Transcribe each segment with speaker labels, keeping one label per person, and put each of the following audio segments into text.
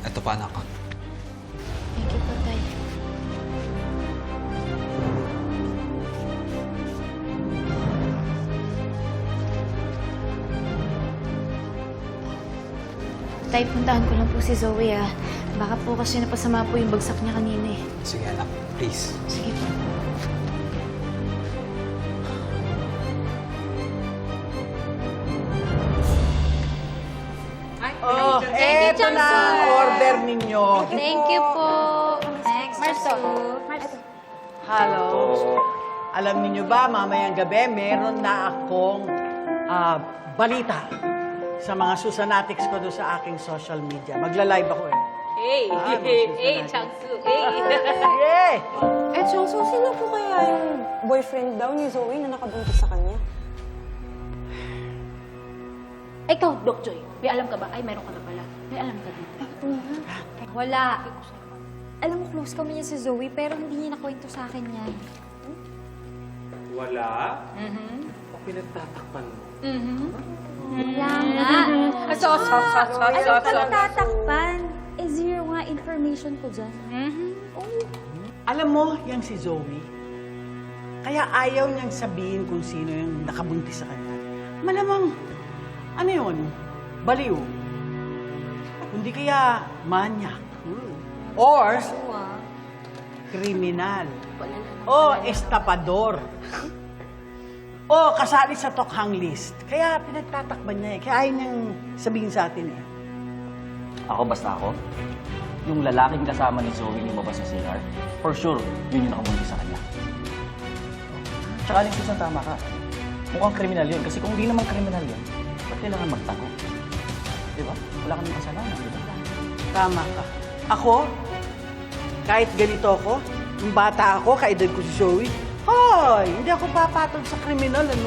Speaker 1: Ito pa, anak.
Speaker 2: Thank you po, Tay. Tay, puntahan ko lang po si Zoe, ah. Baka po kasi napasama po yung bagsak niya kanina, eh.
Speaker 1: Sige, anak. Please.
Speaker 2: Sige po.
Speaker 3: Oh, eto na ang order ninyo.
Speaker 2: Thank you po. Thanks, Marso.
Speaker 3: Hello. Alam niyo ba, mamayang gabi, meron na akong balita sa mga susanatics ko doon sa aking social media. Magla-live ako eh.
Speaker 4: Hey! Hey, Changsu! Hey!
Speaker 3: Yeah!
Speaker 5: Eh, Chongso, sino po kaya yung boyfriend daw ni Zoe na nakabuntis sa kanya?
Speaker 4: Ikaw, Doc Joy, may alam ka ba? Ay, meron ka na pala. May alam ka din.
Speaker 6: Wala. Alam mo, close kami niya si Zoe, pero hindi niya nakwento sa akin yan.
Speaker 7: Wala? O pinagtatakpan mo?
Speaker 6: Wala nga. Ano ka natatakpan? Eh, zero nga information ko dyan.
Speaker 3: Alam mo, yang si Zoe, kaya ayaw niyang sabihin kung sino yung nakabuntis sa kanya. Malamang, ano yun? Baliw. Kundi kaya manyak. Or, kriminal. O estapador. O kasali sa tokhang list. Kaya pinagtatakban niya eh. Kaya ayaw niyang sabihin sa atin eh.
Speaker 8: Basta ako, yung lalaking kasama ni Zoe lumabas sa CR, for sure, yun yung nakabuntis sa kanya. Tsaka Aling Susan, tama ka. Mukhang kriminal yun. Kasi kung hindi naman kriminal yun, ba't kailangan magtago? Di ba? Wala kami kasalanan, di ba?
Speaker 3: Tama ka. Ako, kahit ganito ako, yung bata ako, kaedad ko si Zoe, hoy, hindi ako papatol sa kriminal, ano?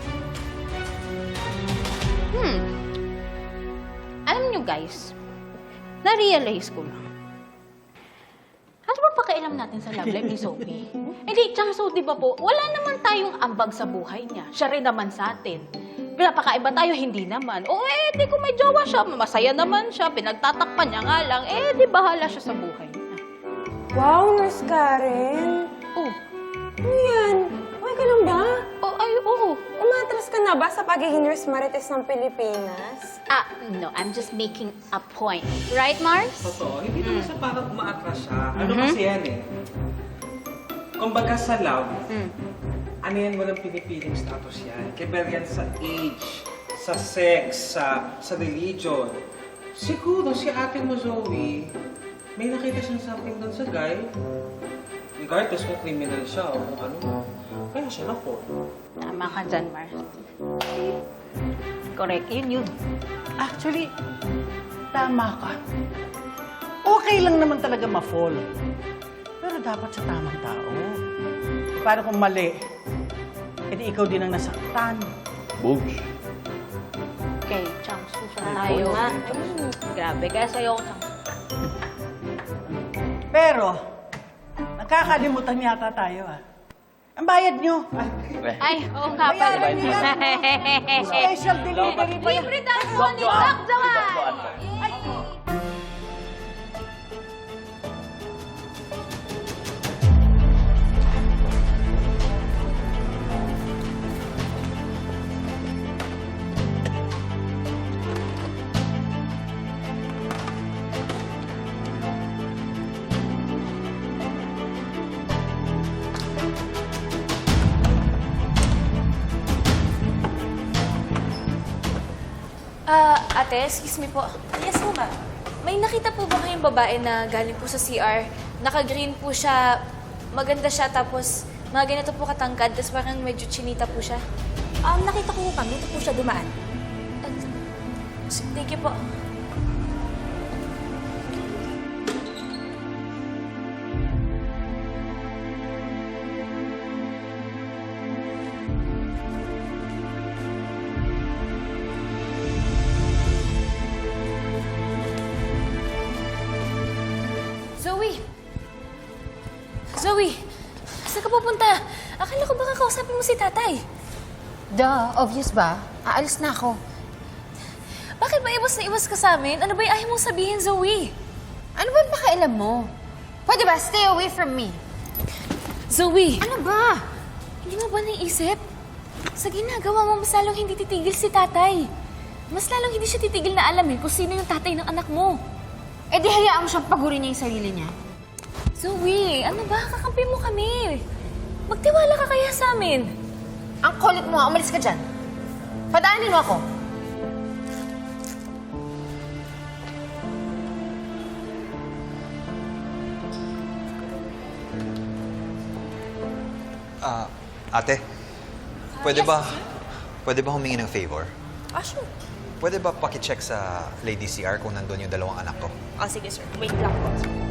Speaker 4: Alam nyo, guys, na-realize ko lang. Ano ba pakialam natin sa love life ni Sophie? Hindi, Changsu, di ba po, wala naman tayong ambag sa buhay niya. Siya rin naman sa atin. Pinapakaiba tayo, hindi naman. O di kung may jowa siya, masaya naman siya, pinagtatakpan niya nga lang, di bahala siya sa buhay niya.
Speaker 5: Wow, Nurse Karen!
Speaker 4: Oh,
Speaker 5: Ano yan? Okay ka lang ba?
Speaker 4: oo.
Speaker 5: Umatras ka na ba sa pagiging Nurse Marites ng Pilipinas?
Speaker 4: No, I'm just making a point. Right, Mars?
Speaker 7: Totoo, hindi naman siya parang umaatras siya. Ano kasi yan eh? Kumbaga sa love, ano yan, walang pinipiling status yan. Kaya yan sa age, sa sex, sa religion. Siguro si ate mo, Zoe, may nakita siyang something doon sa guy. Regardless kung criminal siya o kung ano. Kaya siya na-fall.
Speaker 4: Tama ka dyan, Mars. Correct, yun.
Speaker 3: Actually, tama ka. Okay lang naman talaga ma-fall. Pero dapat sa tamang tao. Paano kung mali? Edi ikaw din ang nasaktan.
Speaker 8: Boobs.
Speaker 4: Okay, Changsu, tayo. Grabe, kaya sa'yo ako, Changsu.
Speaker 3: Pero, nakakalimutan yata tayo ah. Ang bayad nyo.
Speaker 4: Ay, oo nga pala.
Speaker 3: Bayaran nyo yan. Special delivery pa yan.
Speaker 4: Libre daw po ni Doc Johan!
Speaker 2: Ate, excuse me po. Yes po, ma'am. May nakita po ba kayong babae na galing po sa CR? Naka-green po siya, maganda siya, tapos mga ganito po katangkad, tapos parang medyo chinita po siya.
Speaker 6: Nakita ko po, ma'am. Dito po siya dumaan.
Speaker 2: Thank you po. Zoe! Saan ka pupunta? Akala ko baka kausapin mo si tatay.
Speaker 6: Duh, obvious ba? Aalis na ako.
Speaker 2: Bakit ba iwas na iwas ka sa amin? Ano ba yung ayaw mong sabihin, Zoe?
Speaker 1: Ano ba pakialam mo? Pwede ba, stay away from me?
Speaker 2: Zoe!
Speaker 1: Ano ba?
Speaker 2: Hindi mo ba naisip? Sa ginagawa mo, mas lalong hindi titigil si tatay. Mas lalong hindi siya titigil na alamin kung sino yung tatay ng anak mo.
Speaker 1: Eh di hayaan mo siyang pagurin niya yung sarili niya.
Speaker 2: Zoe, ano ba? Kakampi mo kami. Magtiwala ka kaya sa amin.
Speaker 1: Ang kulit mo, umalis ka dyan. Padaanin mo ako.
Speaker 9: Ate, pwede ba humingi ng favor?
Speaker 5: Sure.
Speaker 9: Pwede ba pakicheck sa Lady CR kung nandun yung dalawang anak ko?
Speaker 5: Sige, sir. Wait lang po.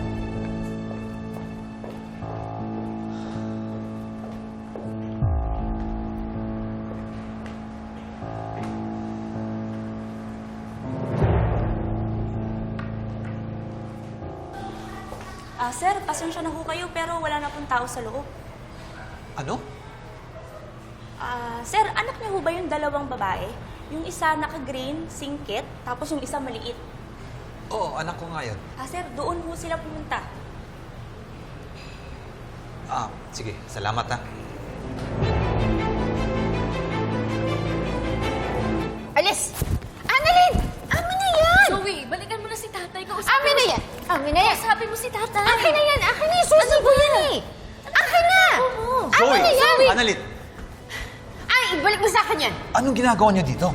Speaker 6: Sir, pasensya na ho kayo pero wala na pong tao sa loob.
Speaker 9: Ano?
Speaker 6: Sir, anak niyo ho ba yung dalawang babae? Yung isa naka-green, singkit, tapos yung isa maliit.
Speaker 9: Oo, anak ko nga yun.
Speaker 6: Sir, doon ho sila pumunta.
Speaker 9: Sige. Salamat ha.
Speaker 1: Alis! Annalyn! Amin na yan!
Speaker 2: Zoe, balikan mo na si tatay.
Speaker 1: Amin na yan! Amin na yan!
Speaker 2: Sabi mo si tatay.
Speaker 1: Akin na yan! Akin na yan! Susi ko yan eh! Akin na! Akin na yan!
Speaker 9: Annalyn!
Speaker 1: Ay, ibalik mo sa akin yan!
Speaker 9: Anong ginagawa niyo dito?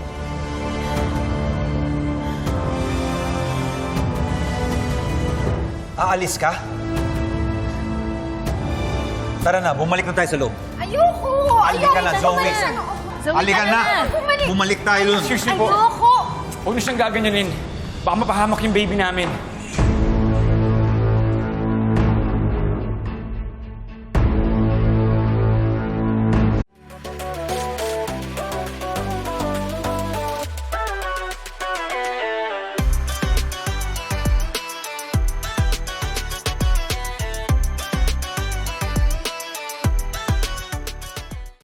Speaker 9: Aalis ka? Tara na, bumalik na tayo sa loob.
Speaker 1: Ayoko!
Speaker 9: Halika na, Zoe!
Speaker 2: Zoe,
Speaker 9: Halika
Speaker 2: tara
Speaker 9: na!
Speaker 1: Bumalik!
Speaker 9: Bumalik tayo dun.
Speaker 7: Excuse me po.
Speaker 1: Ayoko!
Speaker 7: Huwag niyo siyang gaganyanin. Baka mapahamak yung baby namin.